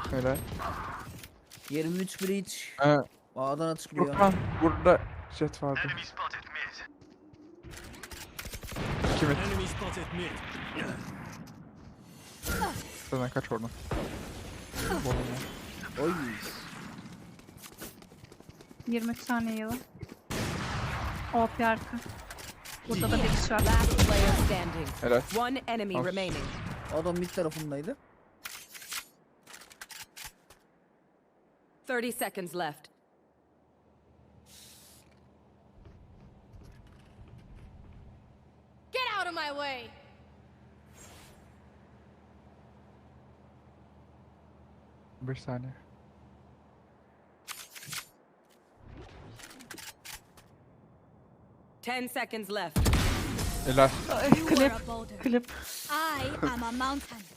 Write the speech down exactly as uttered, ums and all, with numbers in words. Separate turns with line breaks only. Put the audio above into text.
Öyle.
yirmi üç breach.
Ee,
A'dan açıklıyor.
Furkan burada jet vardı. İki mit.
Enemy spotted mid.
Zaten kaç oradan. Bolum ya.
Oy.
yirmi üç saniye var. O P arka. Burada da bir kişi var.
Last player standing.
Helal.
One enemy
Nice.
remaining.
Adam mid tarafındaydı.
thirty seconds left.
Get out of my way!
beş saniye.
ten seconds left.
Helal.
You are
Klip.
a boulder.
Klip.
I am a mountain.